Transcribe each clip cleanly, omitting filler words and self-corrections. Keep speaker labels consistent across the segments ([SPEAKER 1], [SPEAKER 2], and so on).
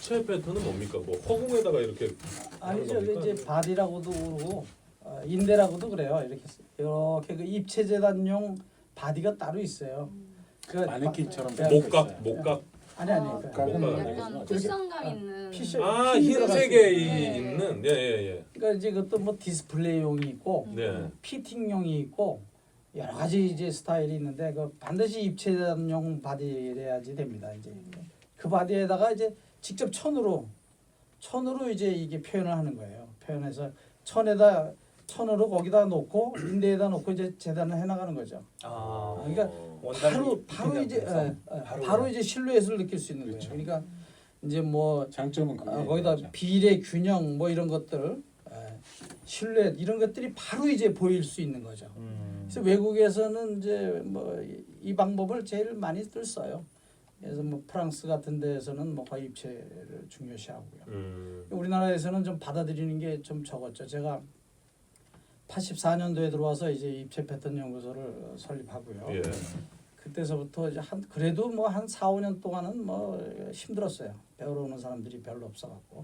[SPEAKER 1] 입체 패턴은 뭡니까? 뭐 허공에다가 이렇게
[SPEAKER 2] 아니죠.
[SPEAKER 1] 하는 겁니까?
[SPEAKER 2] 이제 바디라고도 그러고 인대라고도 그래요. 이렇게 그 입체 재단용 바디가 따로 있어요. 그
[SPEAKER 3] 마네킹처럼
[SPEAKER 1] 목각
[SPEAKER 2] 아니
[SPEAKER 3] 목각은
[SPEAKER 4] 약간
[SPEAKER 3] 알겠지만
[SPEAKER 4] 쿠션감 있는
[SPEAKER 1] 흰색에
[SPEAKER 4] 네.
[SPEAKER 1] 있는 예예예.
[SPEAKER 2] 그러니까 이제 그것도 뭐 디스플레이용이 있고
[SPEAKER 1] 네.
[SPEAKER 2] 피팅용이 있고 여러 가지 이제 스타일이 있는데 그 반드시 입체 재단용 바디래야지 됩니다. 이제 그 바디에다가 이제 직접 천으로 이제 이게 표현을 하는 거예요. 표현해서 천으로 거기다 놓고 인대에다 놓고 이제 재단을 해나가는 거죠. 그러니까 바로 이제 바로 이제 실루엣을 느낄 수 있는
[SPEAKER 3] 그렇죠.
[SPEAKER 2] 거예요. 그러니까 이제 뭐
[SPEAKER 3] 장점은 그게
[SPEAKER 2] 거기다 비례 균형 뭐 이런 것들 실루엣 이런 것들이 바로 이제 보일 수 있는 거죠. 그래서 외국에서는 이제 뭐 이 방법을 제일 많이들 써요. 그래서 뭐 프랑스 같은 데에서는 뭐 거의 입체를 중요시하고요. 우리나라에서는 좀 받아들이는 게 좀 적었죠. 제가 84년도에 들어와서 이제 입체 패턴 연구소를 설립하고요.
[SPEAKER 1] 예.
[SPEAKER 2] 그때서부터 이제 그래도 뭐 한 4, 5년 동안은 뭐 힘들었어요. 배우러 오는 사람들이 별로 없어갖고.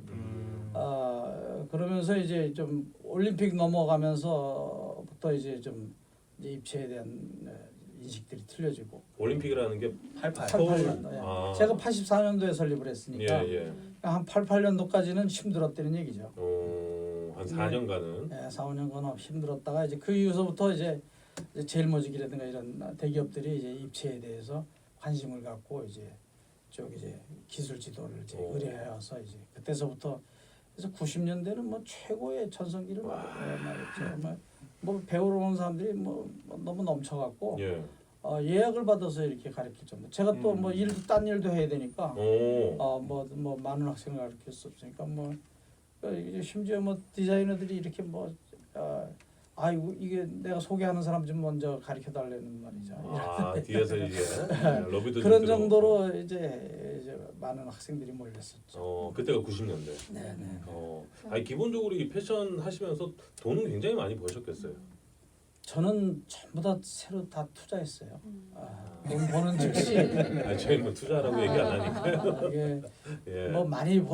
[SPEAKER 2] 그러면서 이제 좀 올림픽 넘어가면서부터 이제 좀 이제 입체에 대한 인식들이 틀려지고.
[SPEAKER 1] 올림픽이라는 게
[SPEAKER 2] 88년도.
[SPEAKER 1] 아.
[SPEAKER 2] 제가 84년도에 설립을 했으니까
[SPEAKER 1] 예.
[SPEAKER 2] 한 88년도까지는 힘들었다는 얘기죠.
[SPEAKER 1] 한 4년간은
[SPEAKER 2] 네, 4, 5년간 힘들었다가 이제 그 이후서부터 이제 제일모직이라든가 이런 대기업들이 이제 입체에 대해서 관심을 갖고 이제 이제 기술 지도를 이제 의뢰해와서 이제 그때서부터 그래서 90년대는 뭐 최고의 전성기를 말했죠. 뭐 배우러 오는 사람들이 뭐 너무 넘쳐갖고
[SPEAKER 1] 예.
[SPEAKER 2] 예약을 받아서 이렇게 가르칠 정도. 제가 또 뭐 일도 딴 일도 해야 되니까 뭐 많은 학생을 가르칠 수 없으니까 뭐 이제 심지어 뭐 디자이너들이 이렇게 뭐 아이고 이게 내가 소개하는 사람 좀 먼저 가르쳐 달라는 말이죠.
[SPEAKER 1] 뒤에서 이제 러비도
[SPEAKER 2] 그런 정도로 이제 많은 학생들이 몰렸었죠.
[SPEAKER 1] 그때가 90년대.
[SPEAKER 2] 네네.
[SPEAKER 1] 아니 기본적으로 이 패션 하시면서 돈은 굉장히 많이 버셨겠어요.
[SPEAKER 2] 저는 전부 다 새로 다 투자했어요. 돈 버는 즉시
[SPEAKER 1] 저희는 뭐 투자라고 얘기 안 하니까요.
[SPEAKER 2] 이게
[SPEAKER 1] 예.
[SPEAKER 2] 뭐 많이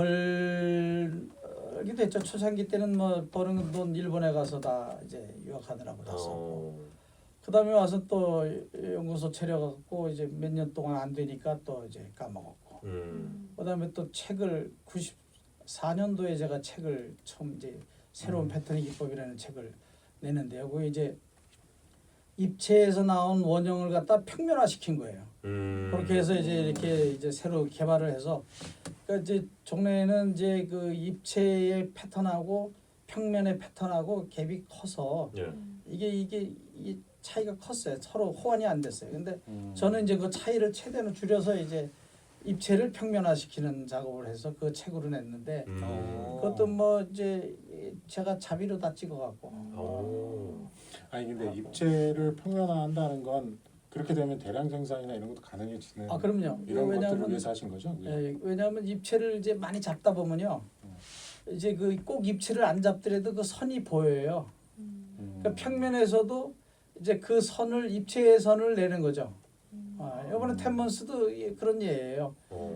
[SPEAKER 2] 벌게 됐죠. 초창기 때는 뭐 버는 돈 일본에 가서 다 이제 유학하느라고 다 썼고 그다음에 와서 또 연구소 차려갖고 이제 몇 년 동안 안 되니까 또 이제 까먹었고 그다음에 또 책을 94년도에 제가 책을 처음 이제 새로운 패턴의 기법이라는 책을 내는데요. 그 이제 입체에서 나온 원형을 갖다 평면화시킨 거예요. 그렇게 해서 이제 이렇게 이제 새로 개발을 해서 그러니까 이제 종래에는 이제 그 입체의 패턴하고 평면의 패턴하고 갭이 커서
[SPEAKER 1] 예.
[SPEAKER 2] 이게 차이가 컸어요. 서로 호환이 안 됐어요. 근데 저는 이제 그 차이를 최대한 줄여서 이제 입체를 평면화시키는 작업을 해서 그 책으로 냈는데 그것도 뭐 이제 제가 자비로 다 찍어갖고.
[SPEAKER 3] 아니 근데 입체를 평면화한다는 건 그렇게 되면 대량 생산이나 이런 것도 가능해지는.
[SPEAKER 2] 그럼요.
[SPEAKER 3] 이런 것들을
[SPEAKER 2] 왜냐하면
[SPEAKER 3] 위해서 하신 거죠?
[SPEAKER 2] 왜냐하면 입체를 이제 많이 잡다 보면요, 이제 그 꼭 입체를 안 잡더라도 그 선이 보여요. 그러니까 평면에서도 이제 그 선을 입체의 선을 내는 거죠. 이번에 템먼스도 그런 예예요.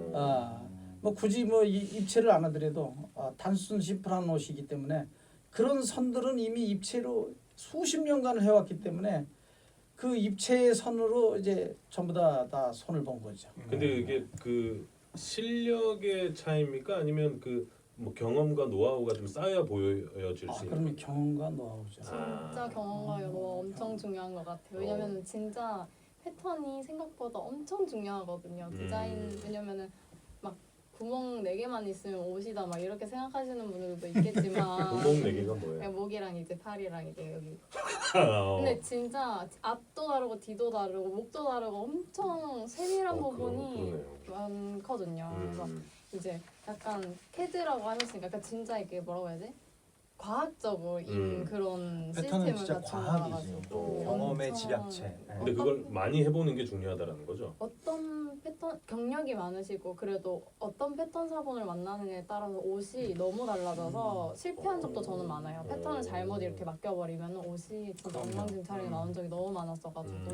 [SPEAKER 2] 뭐 굳이 뭐 입체를 안 하더라도 단순 심플한 옷이기 때문에 그런 선들은 이미 입체로 수십 년간을 해왔기 때문에 그 입체의 선으로 이제 전부 다 손을 본 거죠.
[SPEAKER 1] 근데 이게 그 실력의 차이입니까? 아니면 그 뭐 경험과 노하우가 좀 쌓여 보여질 수 있는?
[SPEAKER 2] 그러면 경험과 노하우죠.
[SPEAKER 4] 진짜 경험과 노하우 엄청 중요한 것 같아요. 왜냐면은 진짜 패턴이 생각보다 엄청 중요하거든요. 디자인 왜냐면은 막 구멍 4개만 있으면 옷이다 막 이렇게 생각하시는 분들도 있겠지만
[SPEAKER 1] 구멍 4개가 뭐예요?
[SPEAKER 4] 목이랑 이제 팔이랑 이제 여기 근데 진짜 앞도 다르고 뒤도 다르고 목도 다르고 엄청 세밀한 부분이 많거든요. 그래서 이제 약간 캐드라고 하셨으니까 그러니까 진짜 이게 뭐라고 해야지? 과학적인 그런
[SPEAKER 5] 패턴은
[SPEAKER 4] 시스템을
[SPEAKER 5] 진짜
[SPEAKER 4] 갖춘
[SPEAKER 5] 과학이지.
[SPEAKER 4] 거라가지고
[SPEAKER 5] 경험의
[SPEAKER 4] 엄청-
[SPEAKER 5] 집약체.
[SPEAKER 1] 근데 그걸 많이 해보는 게 중요하다라는 거죠.
[SPEAKER 4] 어떤 패턴 경력이 많으시고 그래도 어떤 패턴 사본을 만나느냐에 따라서 옷이 너무 달라져서 실패한 적도 저는 많아요. 패턴을 잘못 이렇게 맡겨버리면 옷이 진짜 엉망진창이 나온 적이 너무 많았어가지고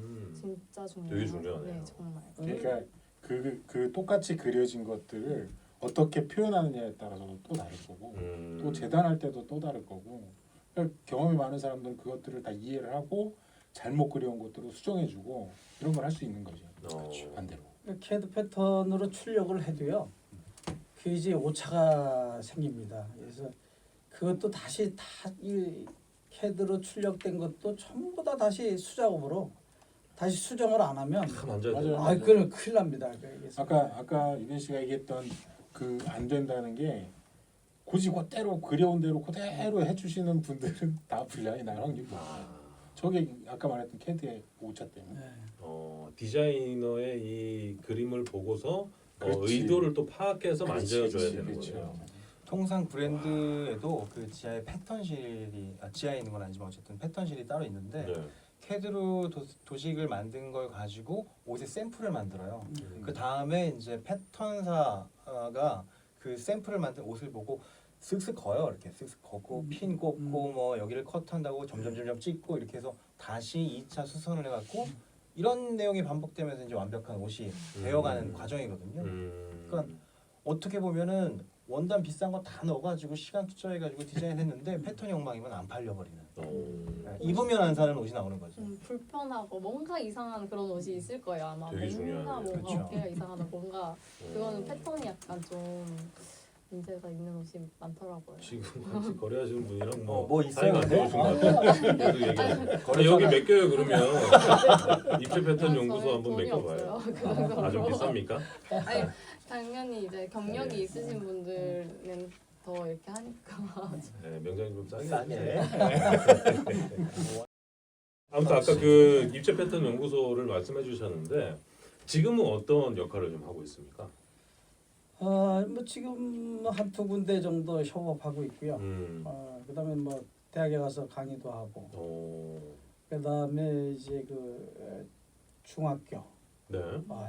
[SPEAKER 4] 진짜 중요해요.
[SPEAKER 1] 되게 중요하네요.
[SPEAKER 4] 네, 정말.
[SPEAKER 3] 그러니까 그 똑같이 그려진 것들을 어떻게 표현하느냐에 따라서도 또 다를 거고 또 재단할 때도 또 다를 거고 그러니까 경험이 많은 사람들은 그것들을 다 이해를 하고 잘못 그려온 것들을 수정해주고 이런 걸 할 수 있는 거죠.
[SPEAKER 1] 그렇죠.
[SPEAKER 3] 반대로.
[SPEAKER 2] CAD 패턴으로 출력을 해도요. 그 이제 오차가 생깁니다. 그래서 그것도 다시 다 이 CAD로 출력된 것도 전부 다 다시 수작업으로 다시 수정을 안 하면
[SPEAKER 1] 다 만져야
[SPEAKER 3] 맞아요.
[SPEAKER 1] 돼요.
[SPEAKER 2] 그건 큰일 납니다. 그래서
[SPEAKER 3] 아까 유빈 씨가 얘기했던 그 안 된다는 게 굳이 그대로 그려온 대로 그대로 해주시는 분들은 다 분량이 날 확률이 높아요. 저게 아까 말했던 CAD의 오차 때문에.
[SPEAKER 2] 네.
[SPEAKER 1] 디자이너의 이 그림을 보고서
[SPEAKER 3] 그렇지.
[SPEAKER 1] 의도를 또 파악해서 만져줘야
[SPEAKER 3] 그렇지,
[SPEAKER 1] 되는
[SPEAKER 3] 그렇죠.
[SPEAKER 1] 거죠.
[SPEAKER 5] 통상 브랜드에도 그 지하에 패턴실이 지하에 있는 건 아니지만 어쨌든 패턴실이 따로 있는데
[SPEAKER 1] 네.
[SPEAKER 5] CAD로 도식을 만든 걸 가지고 옷의 샘플을 만들어요. 그 다음에 이제 패턴사가 그 샘플을 만든 옷을 보고 쓱쓱 거요. 이렇게 쓱쓱 걷고 핀 꽂고 뭐 여기를 컷한다고 점점 찍고 이렇게 해서 다시 2차 수선을 해갖고 이런 내용이 반복되면서 이제 완벽한 옷이 되어가는 과정이거든요. 그러니까 어떻게 보면은 원단 비싼 거 다 넣어가지고 시간 투자해가지고 디자인했는데 패턴이 엉망이면 안 팔려버리는. 입으면 안 사는 옷이 나오는 거죠.
[SPEAKER 4] 불편하고 뭔가 이상한 그런 옷이 있을 거예요 아마.
[SPEAKER 1] 되게
[SPEAKER 4] 뭔가
[SPEAKER 1] 중요하네요.
[SPEAKER 5] 그렇죠.
[SPEAKER 4] 어깨가 이상하다 뭔가 그거는 패턴이 약간 좀 문제가 있는 옷이 많더라고요.
[SPEAKER 1] 지금 같이 거래하시는 분이랑
[SPEAKER 5] 뭐
[SPEAKER 1] 사이가
[SPEAKER 5] 있어요,
[SPEAKER 1] 안
[SPEAKER 5] 근데?
[SPEAKER 1] 좋으신 것 같아요. 계속 얘기하는. 여기 몇 개요 그러면? 입체 패턴 연구소 한번
[SPEAKER 4] 돈이
[SPEAKER 1] 맡겨봐요.
[SPEAKER 4] 없어요. 그 정도로.
[SPEAKER 1] 아주 비쌉니까?
[SPEAKER 4] 아니 당연히 이제 경력이
[SPEAKER 1] 네.
[SPEAKER 4] 있으신 분들은 더 이렇게 하니까.
[SPEAKER 1] 네, 명장님 좀 싸게.
[SPEAKER 5] 싸게.
[SPEAKER 1] 해주세요. 아무튼 아까 그 입체 패턴 연구소를 말씀해 주셨는데 지금은 어떤 역할을 좀 하고 있습니까?
[SPEAKER 2] 뭐 지금 한두 군데 정도 협업하고 있고요. 그다음에 뭐 대학에 가서 강의도 하고 그다음에 이제 그 중학교
[SPEAKER 1] 네.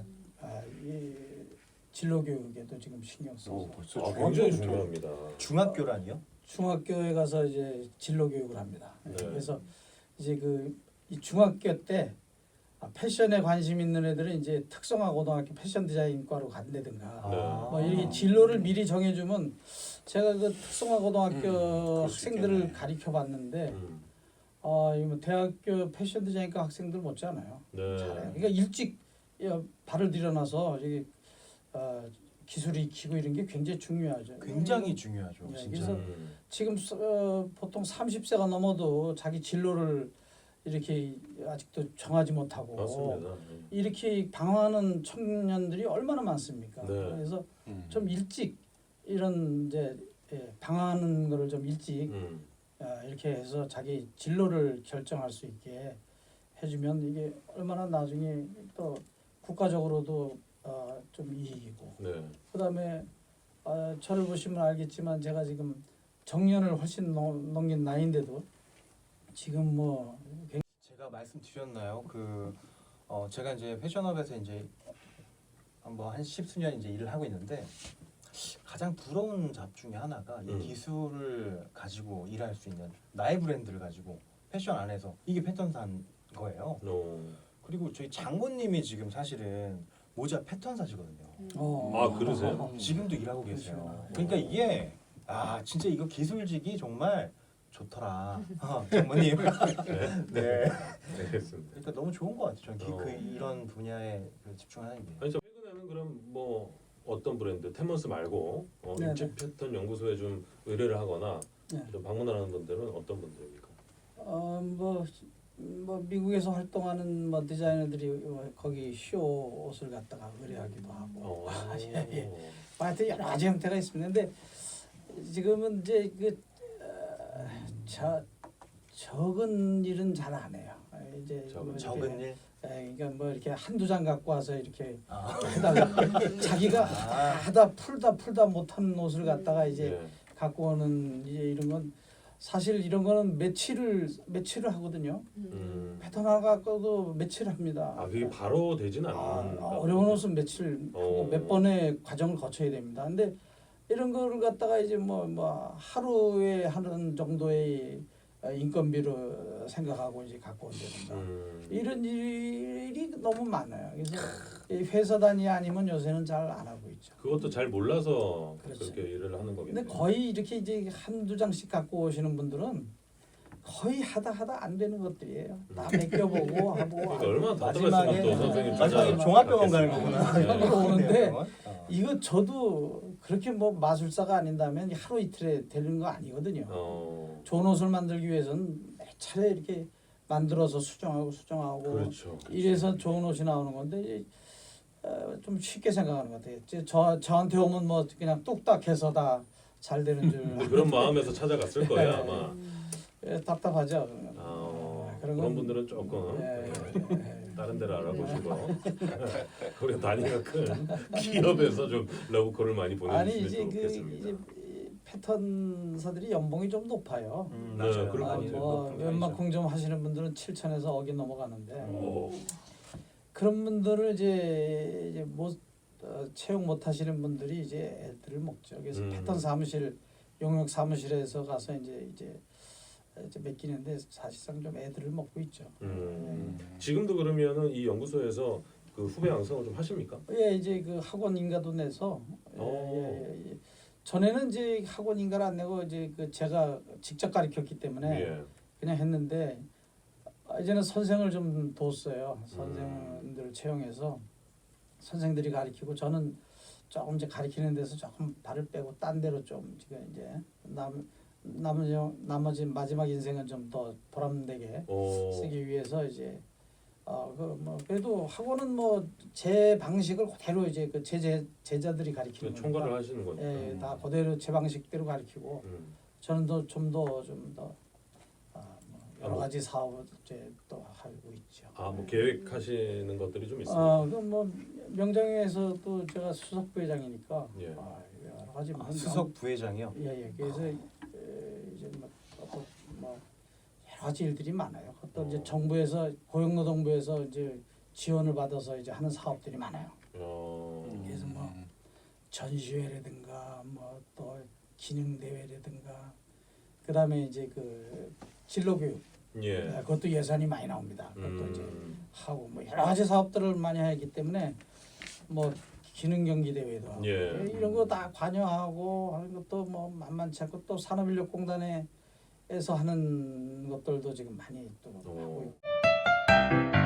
[SPEAKER 2] 이 진로 교육에도 지금 신경 써서
[SPEAKER 3] 벌써
[SPEAKER 1] 굉장히 중요합니다.
[SPEAKER 5] 중학교라니요?
[SPEAKER 2] 중학교에 가서 이제 진로 교육을 합니다.
[SPEAKER 1] 네.
[SPEAKER 2] 그래서 이제 이 중학교 때 패션에 관심 있는 애들은 이제 특성화 고등학교 패션 디자인과로 간다든가
[SPEAKER 1] 네.
[SPEAKER 2] 뭐 이렇게 진로를 미리 정해주면 제가 그 특성화 고등학교
[SPEAKER 3] 그럴 수
[SPEAKER 2] 학생들을
[SPEAKER 3] 있겠네.
[SPEAKER 2] 가르쳐 봤는데
[SPEAKER 1] 음.
[SPEAKER 2] 이거 대학교 패션 디자인과 학생들 못지않아요.
[SPEAKER 1] 네.
[SPEAKER 2] 잘해요. 그러니까 일찍 발을 들여놔서 이게 기술이 익히고 이런 게 굉장히 중요하죠.
[SPEAKER 5] 굉장히 중요하죠.
[SPEAKER 2] 네,
[SPEAKER 5] 진짜.
[SPEAKER 2] 그래서 지금 보통 30세가 넘어도 자기 진로를 이렇게 아직도 정하지 못하고
[SPEAKER 1] 맞습니다.
[SPEAKER 2] 이렇게 방황하는 청년들이 얼마나 많습니까?
[SPEAKER 1] 네.
[SPEAKER 2] 그래서 좀 일찍 이런 이제 방황하는 거를 좀 일찍 이렇게 해서 자기 진로를 결정할 수 있게 해주면 이게 얼마나 나중에 또 국가적으로도 좀 이익이고
[SPEAKER 1] 네.
[SPEAKER 2] 그다음에 저를 보시면 알겠지만 제가 지금 정년을 훨씬 넘긴 나이인데도 지금 뭐
[SPEAKER 5] 제가 말씀드렸나요? 제가 이제 패션업에서 이제 한 십수년 이제 일을 하고 있는데 가장 부러운 잡 중에 하나가 이 기술을 가지고 일할 수 있는 나의 브랜드를 가지고 패션 안에서 이게 패턴사인 거예요. 그리고 저희 장모님이 지금 사실은 모자 패턴사시거든요.
[SPEAKER 1] 그러세요?
[SPEAKER 5] 지금도 일하고 계세요. 그러니까 이게 진짜 이거 기술직이 정말 좋더라. 장모님. 네.
[SPEAKER 1] 알겠습니다.
[SPEAKER 5] 그러니까 너무 좋은 것 같아요. 저는 이런 분야에 집중하는 게.
[SPEAKER 1] 아니 저 최근에는 그럼 뭐 어떤 브랜드 테먼스 말고
[SPEAKER 2] 네네.
[SPEAKER 1] 입체 패턴 연구소에 좀 의뢰를 하거나
[SPEAKER 2] 네.
[SPEAKER 1] 좀 방문하는 분들은 어떤 분들입니까?
[SPEAKER 2] 뭐 미국에서 활동하는 뭐 디자이너들이 거기 쇼 옷을 갖다가 의뢰하기도 하고 예. 하여튼 여러 가지 형태가 있습니다. 근데 지금은 이제 적은 일은 잘 안 해요. 이제
[SPEAKER 5] 적은 일?
[SPEAKER 2] 그러니까 뭐 이렇게 한두 장 갖고 와서 이렇게 하다가 자기가 하다 풀다 못하는 옷을 갖다가 이제
[SPEAKER 1] 네.
[SPEAKER 2] 갖고 오는 이제 이런 건 사실 이런 거는 며칠을 하거든요. 패턴 하나 갖고도 며칠 합니다.
[SPEAKER 1] 그게 바로 되진 않는.
[SPEAKER 2] 어려운 옷은 며칠 하고 몇 번의 과정을 거쳐야 됩니다. 근데 이런 거를 갖다가 이제 뭐 하루에 하는 정도의 인건비로 생각하고 이제 갖고 온다든가 이런 일이 너무 많아요. 그래서 이 회사 단위 아니면 요새는 잘 안 하고 있죠.
[SPEAKER 1] 그것도 잘 몰라서
[SPEAKER 2] 그렇죠.
[SPEAKER 1] 그렇게 일을 하는 거겠네요.
[SPEAKER 2] 근데 거의 이렇게 이제 한두 장씩 갖고 오시는 분들은 거의 하다 안 되는 것들이에요. 다 맡겨보고 하고
[SPEAKER 1] 그러니까 얼마나
[SPEAKER 5] 마지막에
[SPEAKER 1] 답답했으면 또 선생님
[SPEAKER 5] 마지막에 종합병원 가는 거구나.
[SPEAKER 1] 네.
[SPEAKER 2] 그런 거 오는데
[SPEAKER 5] 어.
[SPEAKER 2] 이거 저도 그렇게 뭐 마술사가 아닌다면 하루 이틀에 되는 거 아니거든요. 좋은 옷을 만들기 위해서는 몇 차례 이렇게 만들어서 수정하고
[SPEAKER 1] 그렇죠.
[SPEAKER 2] 이래서 좋은 옷이 나오는 건데 좀 쉽게 생각하는 것 같아요. 저한테 오면 뭐 그냥 뚝딱해서 다 잘 되는 줄
[SPEAKER 1] 근데 그런 마음에서 찾아갔을 거예요
[SPEAKER 2] 네.
[SPEAKER 1] 아마.
[SPEAKER 2] 답답하죠.
[SPEAKER 1] 그런 분들은 조금 다른 데를 알아보시고 우리 단위가 큰 기업에서 좀 러브콜을 많이
[SPEAKER 2] 아니
[SPEAKER 1] 보내주시면
[SPEAKER 2] 이제 그
[SPEAKER 1] 좋겠습니다.
[SPEAKER 2] 이제 패턴사들이 연봉이 좀 높아요.
[SPEAKER 1] 맞아요. 그럴 것
[SPEAKER 2] 아니
[SPEAKER 1] 같아요.
[SPEAKER 2] 뭐 웬만큼 좀 하시는 분들은 7천에서 억이 넘어가는데
[SPEAKER 1] 오.
[SPEAKER 2] 그런 분들을 이제 못 채용 못 하시는 분들이 이제 애들을 먹죠. 그래서 패턴 사무실 용역 사무실에서 가서 이제 맡기는데 사실상 좀 애들을 먹고 있죠.
[SPEAKER 1] 지금도 그러면은 이 연구소에서 그 후배 양성을 좀 하십니까?
[SPEAKER 2] 예, 이제 그 학원 인가도 내서 예. 전에는 이제 학원 인가를 안 내고 이제 그 제가 직접 가르쳤기 때문에
[SPEAKER 1] 예.
[SPEAKER 2] 그냥 했는데 이제는 선생을 좀 뒀어요. 선생들을 채용해서 선생들이 가르치고 저는 조금 이제 가르치는 데서 조금 발을 빼고 딴 데로 좀 지금 이제 나머지 마지막 인생은 좀 더 보람되게 쓰기 위해서 이제 그 뭐 그래도 학원은 뭐 제 방식을 그대로 이제 그 제자들이 가르치는 거니까
[SPEAKER 1] 총괄을 하시는 거니까.
[SPEAKER 2] 예, 다 그대로 제 방식대로 가르치고 저는 좀 더 여러 가지 사업을 이제 또 하고 있죠.
[SPEAKER 1] 뭐 계획하시는 것들이 좀 있습니다.
[SPEAKER 2] 그뭐 명장에서도 제가 수석 부회장이니까
[SPEAKER 1] 예.
[SPEAKER 2] 여러 가지
[SPEAKER 5] 수석 부회장이요.
[SPEAKER 2] 예. 그래서 이제 뭐 여러 가지 일들이 많아요. 또 이제 정부에서 고용노동부에서 이제 지원을 받아서 이제 하는 사업들이 많아요. 그래서 뭐 전시회라든가 뭐 또 기능 대회라든가 그다음에 이제 그 진로교육
[SPEAKER 1] 예.
[SPEAKER 2] 그것도 예산이 많이 나옵니다. 그것도 이제 하고 뭐 여러 가지 사업들을 많이 하기 때문에 뭐 기능 경기 대회도 하고
[SPEAKER 1] 예.
[SPEAKER 2] 이런 거 다 관여하고 하는 것도 뭐 만만치 않고 또 산업인력공단에서 하는 것들도 지금 많이 또 하고 있고.